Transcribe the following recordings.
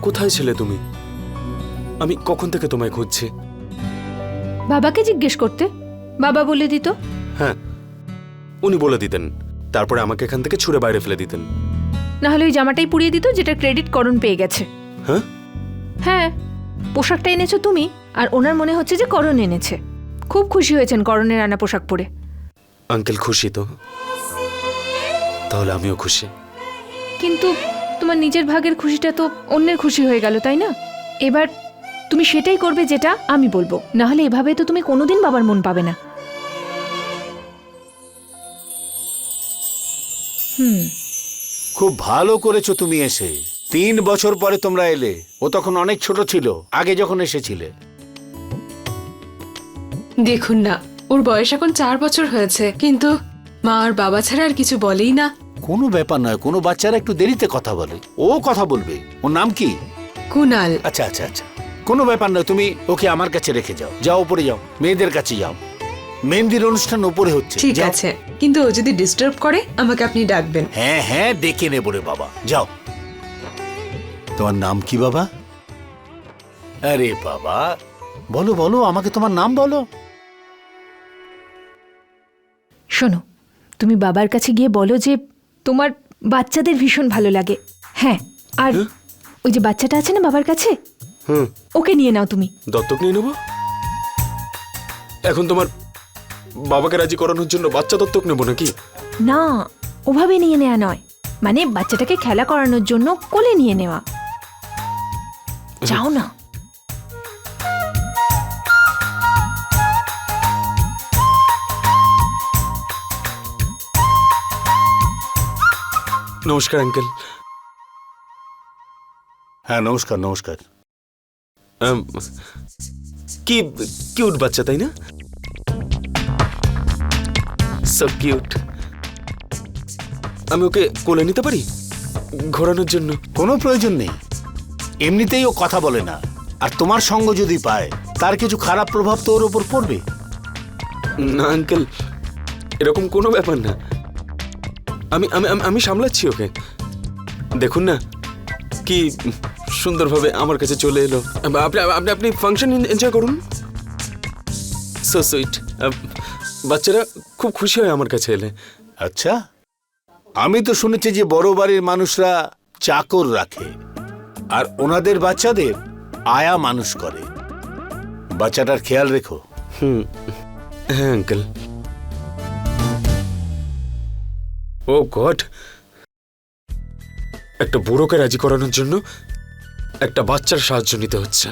কোথায় ছিলে তুমি? আমি কখন থেকে তোমায় খুঁজছি। বাবাকে জিজ্ঞেস করতে, বাবা বলে দিত। হ্যাঁ, উনি বলে দিতেন, তারপরে আমাকে এখান থেকে ছুঁড়ে বাইরে ফেলে দিতেন। না হলে ওই জামাটাই পুড়িয়ে দিত যেটা ক্রেডিট করণ পেয়ে গেছে। হ্যাঁ হ্যাঁ, পোশাকটা এনেছো তুমি, আর ওনার মনে হচ্ছে যে করণ এনেছে। খুব খুশি হয়েছেন করণের আনা পোশাক পরে। আঙ্কেল খুশি তো? তাহলে আমিও খুশি। কিন্তু তোমার নিজের ভাগের খুশিটা তো অন্যের খুশি হয়ে গেল, তাই না? এবার তুমি সেটাই করবে যেটা আমি বলবো, না হলে এভাবে তো তুমি কোনোদিন বাবার মন পাবে না। খুব ভালো করেছো তুমি এসে। 3 বছর পরে তোমরা এলে। ও তখন অনেক ছোট ছিল আগে যখন এসেছিলে। দেখুন না, ওর বয়স এখন 4 বছর হয়েছে, কিন্তু মা আর বাবা ছাড়া আর কিছু বলেই না। কোনো ব্যাপার নয়, কোনো বাচ্চারা একটু দেরিতে কথা বলে, ও কথা বলবে। ওর নাম কি? কুনাল। আচ্ছা আচ্ছা আচ্ছা, কোনো ব্যাপার নয়, তুমি ওকে আমার কাছে রেখে যাও। যাও উপরে যাও, মেয়েদের কাছে যাও। মেহেন্দির অনুষ্ঠান উপরে হচ্ছে। ঠিক যাও। আছে, কিন্তু ও যদি ডিস্টার্ব করে আমাকে আপনি ডাকবেন। হ্যাঁ হ্যাঁ, ডেকে নেবো রে বাবা। যাও। তোমার নাম কি বাবা? আরে বাবা, বলো বলো, আমাকে তোমার নাম বলো। শোনো, তুমি বাবার কাছে গিয়ে বলো যে তোমার বাচ্চাদের ভীষণ ভালো লাগে। হ্যাঁ, আর ওই যে বাচ্চাটা আছে না বাবার কাছে, ওকে নিয়ে নাও তুমি। দত্তক নিয়ে নেব? এখন তোমার বাবাকে রাজি করানোর জন্য বাচ্চা দত্তক নেব নাকি? না, ওভাবে নিয়ে নেওয়া নয়, মানে বাচ্চাটাকে খেলা করানোর জন্য কোলে নিয়ে নেওয়া। যাও না। নমস্কার আঙ্কেল। হ্যাঁ নমস্কার নমস্কার। কি কিউট বাচ্চা, তাই না? So cute. আমি ওকে কোলে নিতে পারি ঘোরানোর জন্য? কোনো প্রয়োজন নেই, এমনিতেই ও কথা বলে না। আর তোমার সঙ্গ যদি পায়, তার কিছু খারাপ প্রভাব তো ওর উপর পড়বে। না আঙ্কেল, এরকম কোনো ব্যাপার না। আমি আমি আমি সামলাচ্ছি ওকে। দেখুন না কি সুন্দরভাবে আমার কাছে চলে এলো। আপনি আপনি আপনি ফাংশন এনজয় করুন। So sweet. বাচ্চারা খুব খুশি হয় আমার কাছে এলে। আচ্ছা, আমি তো শুনেছি যে বড় বাড়ির মানুষরা চাকর রাখে আর ওনাদের বাচ্চাদের আয়া মানুষ করে। বাচ্চাটার খেয়াল রেখো। হ্যাঁ আঙ্কেল। ও গড, একটা বুড়োকে রাজি করানোর জন্য একটা বাচ্চার সাহায্য নিতে হচ্ছে।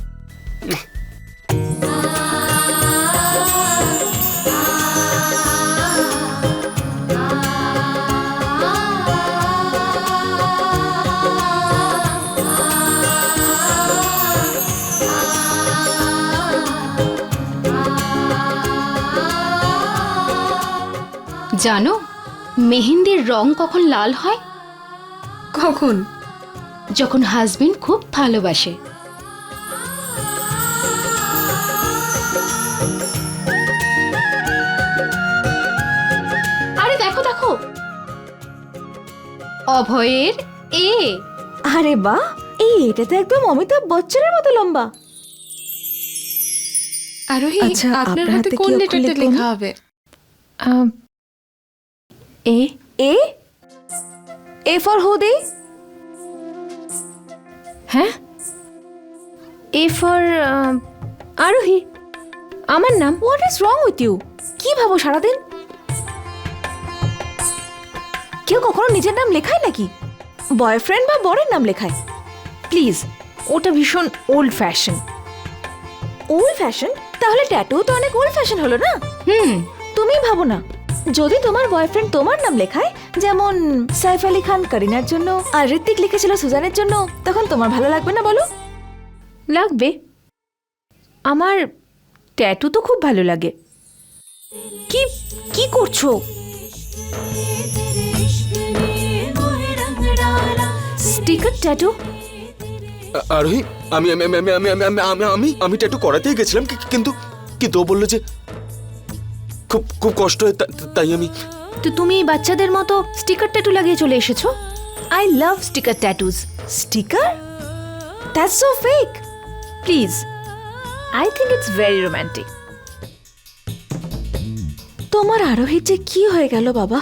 জানো মেহেন্দির রং কখন লাল হয়? কখন? যখন হাজবেন্ড খুব ভালোবাসে। আরে দেখো দেখো, অভয়ের এ। আরে বাহ, এটা তো একদম অমিতাভ বচ্চনের মতো লম্বা। আরোহী, আচ্ছা, আপনার আপনার হাতে হাতে কোন কি অক্ষর লেটারটা লিখুন? লেখা হবে? এ এ এ ফর হুদি। হ্যাঁ, এ ফর আরোহী। আমার নাম। What is wrong with you? কি ভাবো সারাদিন? কেউ কখনো নিজের নাম লেখায় নাকি? বয়ফ্রেন্ড বা বরের নাম লেখায়? প্লিজ, ওটা ভীষণ ওল্ড ফ্যাশন। Old fashion? তাহলে ট্যাটু তো অনেক ওল্ড ফ্যাশন হলো না? তুমি ভাবো না, যদি তোমার বয়ফ্রেন্ড তোমার নাম লেখায়, যেমন সাইফ আলী খান করিনার জন্য আর ঋত্বিক লিখেছিল সুজানের জন্য, তখন তোমার ভালো লাগবে না বলো? লাগবে। আমার ট্যাটু তো খুব ভালো লাগে। কি কি করছো? Sticker tattoo? আরোহী, আমি আমি আমি আমি আমি আমি আমি আমি আমি ট্যাটু করাতেই গেছিলাম, কিন্তু কিন্তু ও বললো যে খুব খুব কষ্ট হয়, তাই আমি। তো তুমি বাচ্চাদের মতো স্টিকার ট্যাটু লাগিয়ে চলে এসেছো? I love sticker tattoos. Sticker? That's so fake. Please, I think it's very romantic. তোমার আরোহীর যে কি হয়ে গেল বাবা?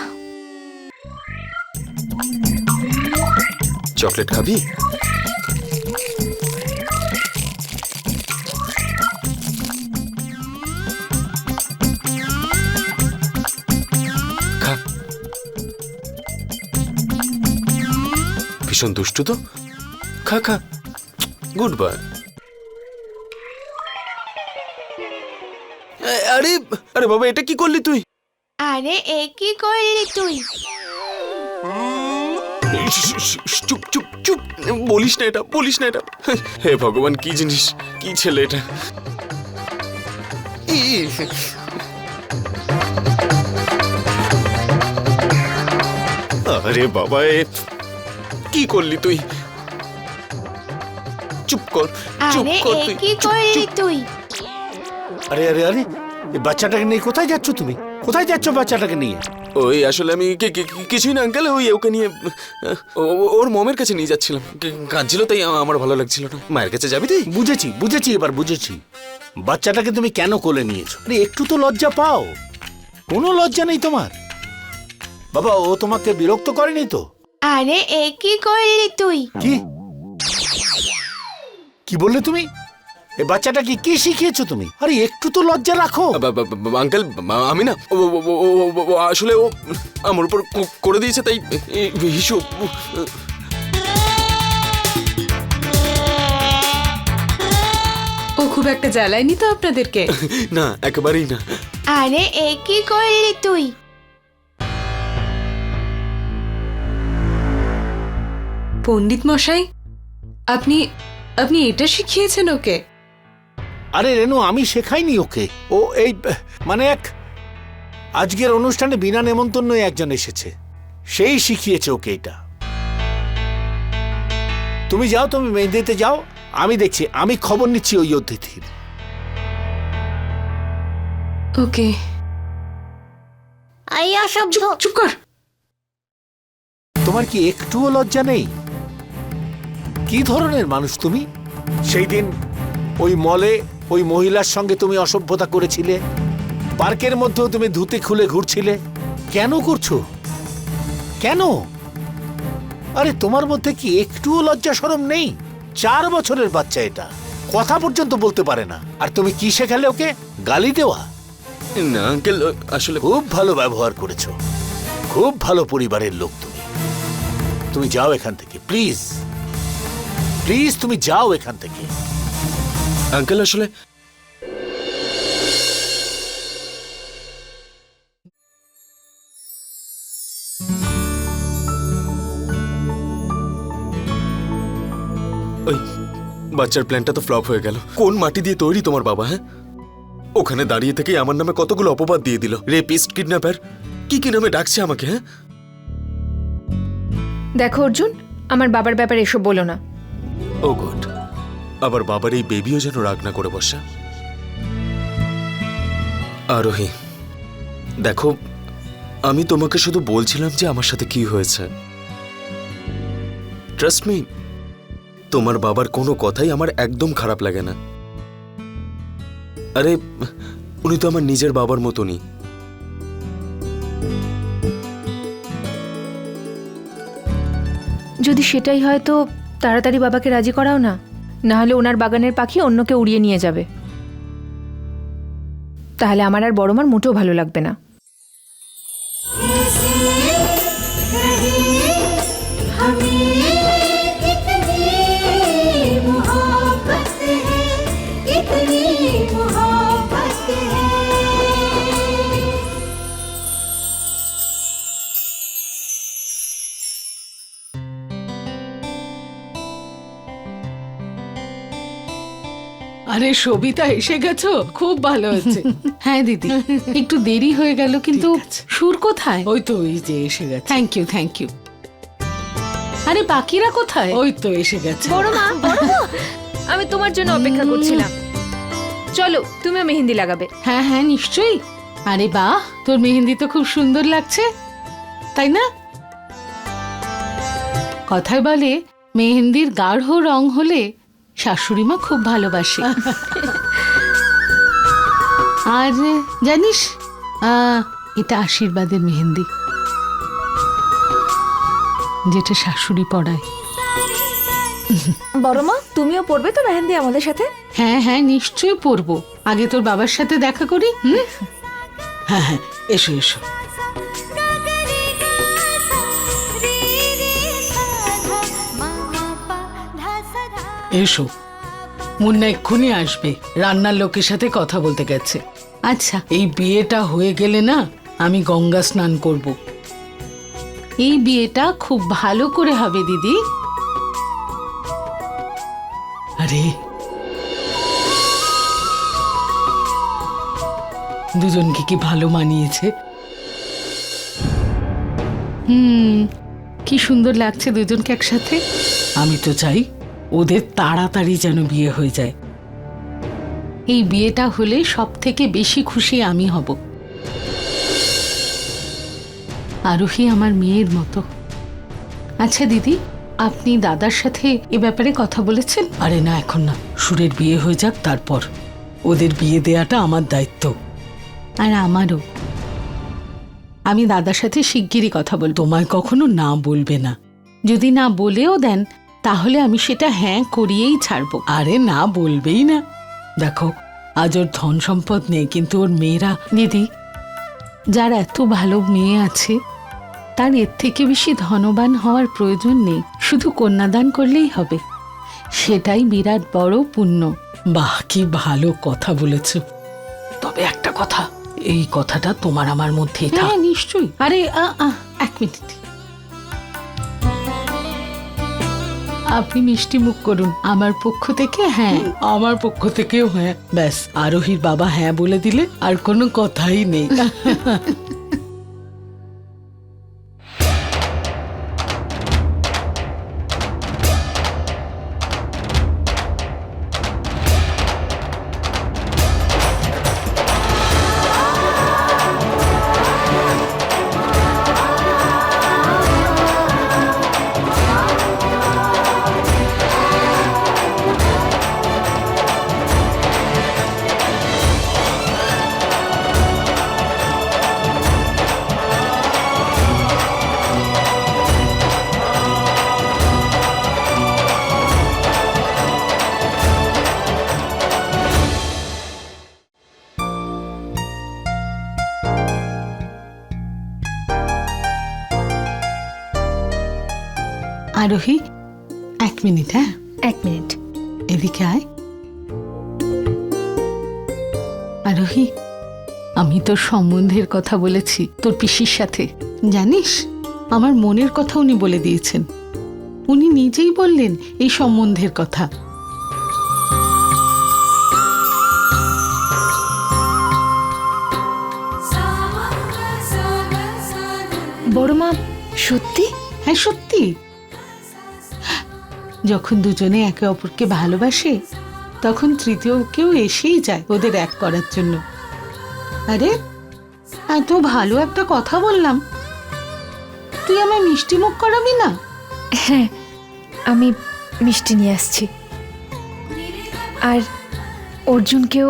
চকলেট খাবি? খা। ভীষণ দুষ্টু তো, খা খা। Good boy. আরে আরে বাবা, এটা কি করলি তুই? আরে এ কি করলি তুই? চুপ চুপ চুপ, বলিস না এটা, বলিস না এটা। হে ভগবান, কি জিনিস, কি ছেলে এটা। আরে বাবা, কি করলি তুই? চুপ কর, চুপ আরে কর এ তুই, কি চুপ, করলি চুপ। তুই? আরে আরে আরে, এই বাচ্চাটাকে নিয়ে কোথায় যাচ্ছ তুমি? কোথায় যাচ্ছ বাচ্চাটাকে নিয়ে? ওই আসলে আমি কিছুই না আঙ্কেল, ওই ওকে নিয়ে ওর মমের কাছে নিয়ে যাচ্ছিলাম। কাঁদছিল, তাই আমার ভালো লাগছিল না। মায়ের কাছে যাবি তুই? বুঝেছি বুঝেছি, এবার বুঝেছি। বাচ্চাটাকে তুমি কেন কোলে নিয়েছো? আরে একটু তো লজ্জা পাও। কোনো লজ্জা নেই তোমার? বাবা, ও তোমাকে বিরক্ত করেনি তো? আরে এ কি করলি তুই? কি কি বললে তুমি? এই বাচ্চাটাকে কি শিখিয়েছো তুমি? আরে একটু তো লজ্জা রাখো। আঙ্কেল, আমি না, আসলে ও আমার উপর করে দিয়েছে, তাই হিসু। ও খুব একটা জ্বালায়নি তো আপনাদেরকে? না, একেবারেই না। আরে এ কি করলি তুই? পণ্ডিত মশাই, আপনি আপনি এটা শিখিয়েছেন ওকে? আরে রেনু, আমি শেখাইনি ওকে। ও এই মানে আজকের অনুষ্ঠানে বিনা নেমন্তন্নই একজন এসেছে, সেই শিখিয়েছে ওকে এটা। তুমি যাও, তুমি মেহেন্দিতে যাও, আমি দেখছি, আমি খবর নিচ্ছি ওই অতিথির। ওকে। আইয়া সব চুপ কর। তোমার কি একটুও লজ্জা নেই? কি ধরনের মানুষ তুমি? সেই দিন ওই মলে ওই মহিলার সঙ্গে তুমি অসভ্যতা করেছিলে, পার্কের মধ্যেও তুমি ধুতি খুলে ঘুরছিলে। কেন করছো? কেন? আরে তোমার মধ্যে কি একটুও লজ্জা শরম নেই? 4 বছরের বাচ্চা, এটা কথা পর্যন্ত বলতে পারে না, আর তুমি কি শেখালে ওকে? গালি দেওয়া? না আঙ্কেল, আসলে খুব ভালো ব্যবহার করেছো, খুব ভালো পরিবারের লোক তুমি। তুমি যাও এখান থেকে, প্লিজ প্লিজ, তুমি যাও এখান থেকে। আঙ্কেল আসলে ওই বাচ্চার প্ল্যানটা তো ফ্লপ হয়ে গেল। কোন মাটি দিয়ে তৈরি তোমার বাবা? হ্যাঁ, ওখানে দাঁড়িয়ে থেকে আমার নামে কতগুলো অপবাদ দিয়ে দিল। রেপিস্ট, কিডন্যাপার, কি কি নামে ডাকছে আমাকে। হ্যাঁ, দেখো অর্জুন, আমার বাবার ব্যাপারে এসব বলো না। ও গড, আবার বাবার এই বেবিও যেন রাগ না করে বসা। আরোহী, দেখো, আমি তোমাকে শুধু বলছিলাম যে আমার সাথে কি হয়েছে। ট্রাস্ট মি, তোমার বাবার কোনো কথাই আমার একদম খারাপ লাগে না। আরে উনি তো আমার নিজের বাবার মতনই। যদি সেটাই হয় তো তাড়াতাড়ি বাবাকে রাজি করাও না, না হলে ওনার বাগানের পাখি অন্যকে উড়িয়ে নিয়ে যাবে। তাহলে আমার আর বড় মার মোটেও ভালো লাগবে না। আরে সবিতা, এসে গেছো? খুব ভালো হয়েছে। হ্যাঁ দিদি, একটু দেরি হয়ে গেল, কিন্তু সুর কোথায়? ওই তো, ওই যে এসে গেছে। Thank you thank you. আরে বাকিরা কোথায়? ওই তো এসে গেছে। বড় মা, আমি তোমার জন্য অপেক্ষা করছিলাম। চলো, তুমিও মেহেন্দি লাগাবে। হ্যাঁ হ্যাঁ নিশ্চয়ই। আরে বাহ, তোর মেহেন্দি তো খুব সুন্দর লাগছে, তাই না? কথায় বলে মেহেন্দির গাঢ় রং হলে শাশুড়ি মা খুব ভালোবাসে। আর জানিস, এটা আশীর্বাদের মেহেন্দি, যেটা শাশুড়ি পড়ায়। বড় মা, তুমিও পড়বে তো মেহেন্দি আমাদের সাথে? হ্যাঁ হ্যাঁ, নিশ্চয়ই পড়বো। আগে তোর বাবার সাথে দেখা করি। হ্যাঁ হ্যাঁ, এসো এসো। এসো, মুন্না এক্ষুনি আসবে, রান্নার লোকের সাথে কথা বলতে গেছে। আচ্ছা, এই বিয়েটা হয়ে গেলে না আমি গঙ্গা স্নান করব। এই বিয়েটা খুব ভালো করে হবে দিদি। আরে দুজনকে কি ভালো মানিয়েছে। কি সুন্দর লাগছে দুজনকে একসাথে। আমি তো চাই ওদের তাড়াতাড়ি যেন বিয়ে হয়ে যায়। এই বিয়েটা হলে সব থেকে বেশি খুশি আমি হব। আরোহী আমার মেয়ের মতো। আচ্ছা দিদি, আপনি দাদার সাথে এ ব্যাপারে কথা বলেছেন? আরে না, এখন না, সুরের বিয়ে হয়ে যাক, তারপর। ওদের বিয়ে দেয়াটা আমার দায়িত্ব। আর আমারও। আমি দাদার সাথে শিগগিরই কথা বলবো। তোমায় কখনো না বলবে না। যদি না বলেও দেন তাহলে আমি সেটা হ্যাঁ করিয়েই ছাড়বো। আরে না, বলবেই না। দেখো, আজ ওর ধন সম্পদ নেই, কিন্তু ওর মেয়েরা। দিদি, যার এত ভালো মেয়ে আছে তার এর থেকে বেশি ধনবান হওয়ার প্রয়োজন নেই। শুধু কন্যাদান করলেই হবে, সেটাই বিরাট বড় পুণ্য। বাহ, কি ভালো কথা বলেছ। তবে একটা কথা, এই কথাটা তোমার আমার মধ্যেই থাক। হ্যাঁ নিশ্চয়ই। আরে এক মিনিট, আপনি মিষ্টি মুখ করুন আমার পক্ষ থেকে। হ্যাঁ, আমার পক্ষ থেকেও হ্যাঁ। ব্যাস, আরোহীর বাবা হ্যাঁ বলে দিলে আর কোনো কথাই নেই। আরোহী, এক মিনিট। হ্যাঁ, এক মিনিট। এদিকে আয়। আরোহী, আমি তোর সম্বন্ধের কথা বলেছি তোর পিসির সাথে। জানিস, আমার মনের কথা উনি বলে দিয়েছেন। উনি নিজেই বললেন এই সম্বন্ধের কথা। বড় মা, সত্যি? হ্যাঁ সত্যি। যখন দুজনে একে অপরকে ভালোবাসে তখন তৃতীয় কেউ এসেই যায় ওদের এক করার জন্য। আরে, এত ভালো একটা কথা বললাম, তুই আমায় মিষ্টি মুখ করাবি না? হ্যাঁ, আমি মিষ্টি নিয়ে আসছি। আর অর্জুনকেও।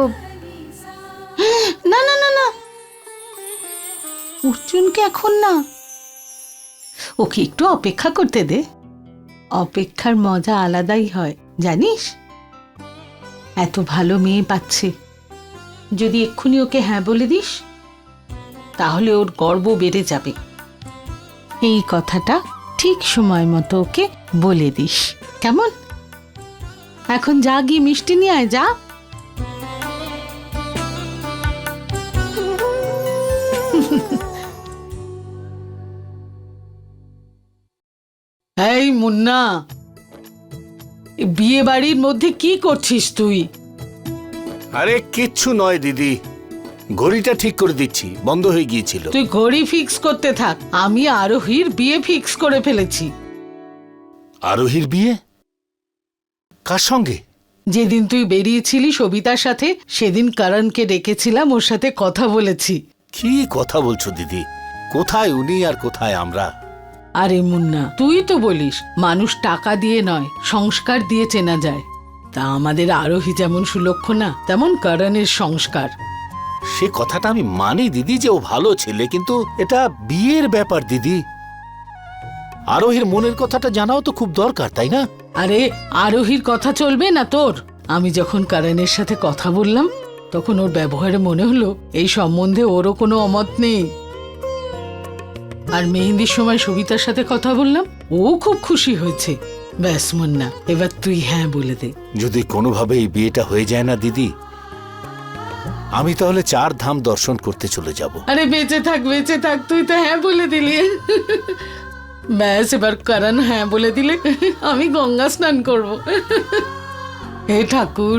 না না না না, অর্জুনকে এখন না, ওকে একটু অপেক্ষা করতে দে। অপেক্ষার মজা আলাদাই হয় জানিস। এত ভালো মেয়ে পাচ্ছে, যদি এক্ষুনি ওকে হ্যাঁ বলে দিস তাহলে ওর গর্ব বেড়ে যাবে। এই কথাটা ঠিক সময় মতো ওকে বলে দিস, কেমন? এখন যা, গিয়ে মিষ্টি নিয়ে আয়, যা। এই মুন্না, বিয়ে বাড়ির মধ্যে কি করছিস তুই? আরে কিচ্ছু নয় দিদি, ঘড়িটা ঠিক করে দিচ্ছি, বন্ধ হয়ে গিয়েছিল। তুই ঘড়ি ফিক্স করতে থাক, আমি আরোহীর বিয়ে ফিক্স করে ফেলেছি। আরোহীর বিয়ে? কার সঙ্গে? যেদিন তুই বেরিয়েছিলি সবিতার সাথে, সেদিন করণকে ডেকেছিলাম, ওর সাথে কথা বলেছি। কি কথা বলছো দিদি? কোথায় উনি আর কোথায় আমরা? আরে মুন্না, তুই তো বলিস মানুষ টাকা দিয়ে নয় সংস্কার দিয়ে চেনা যায়। তা আমাদের আরোহী যেমন সুলক্ষণা তেমন করণের সংস্কার। সে কথাটা আমি মানি দিদি যে ও ভালো ছেলে, কিন্তু এটা বিয়ের ব্যাপার দিদি। আরোহীর মনের কথাটা জানাও তো খুব দরকার, তাই না? আরে আরোহীর কথা চলবে না তোর? আমি যখন করণের সাথে কথা বললাম তখন ওর ব্যবহারে মনে হলো এই সম্বন্ধে ওরও কোনো অমত নেই। আর মেহেন্দির সময় সবিতার সাথে কথা বললাম, ও খুব খুশি হয়েছে। ব্যাস মুন্না, এবার তুই হ্যাঁ বলে দে। যদি কোনোভাবে এই বিয়েটা হয়ে যায় না দিদি, আমি তাহলে 4 ধাম দর্শন করতে চলে যাব। আরে বেঁচে থাক তুই তো হ্যাঁ বলে দিলি। ব্যাস এবার করণ হ্যাঁ বলে দিলে আমি গঙ্গা স্নান করব। হে ঠাকুর।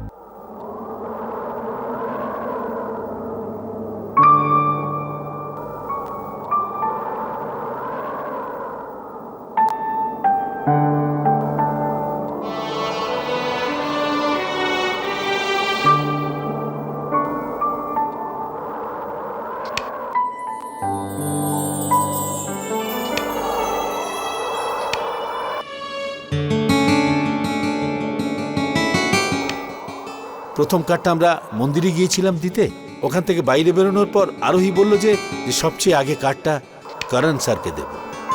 প্রথম কার্ডটা আমরা মন্দিরে গিয়েছিলাম দিতে। ওখান থেকে বাইরে বেরোনোর পর আরোহী বলল যে সবচেয়ে আগে কার্ডটা করণ স্যারকে দেব।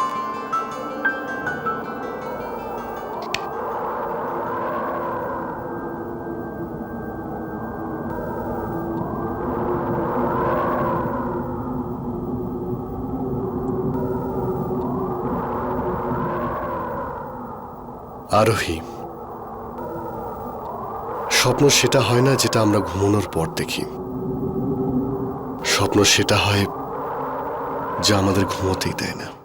আরোহী, স্বপ্ন সেটা হয় না যেটা আমরা ঘুমানোর পর দেখি। স্বপ্ন সেটা হয় যা আমাদের ঘুমোতেই দেয় না।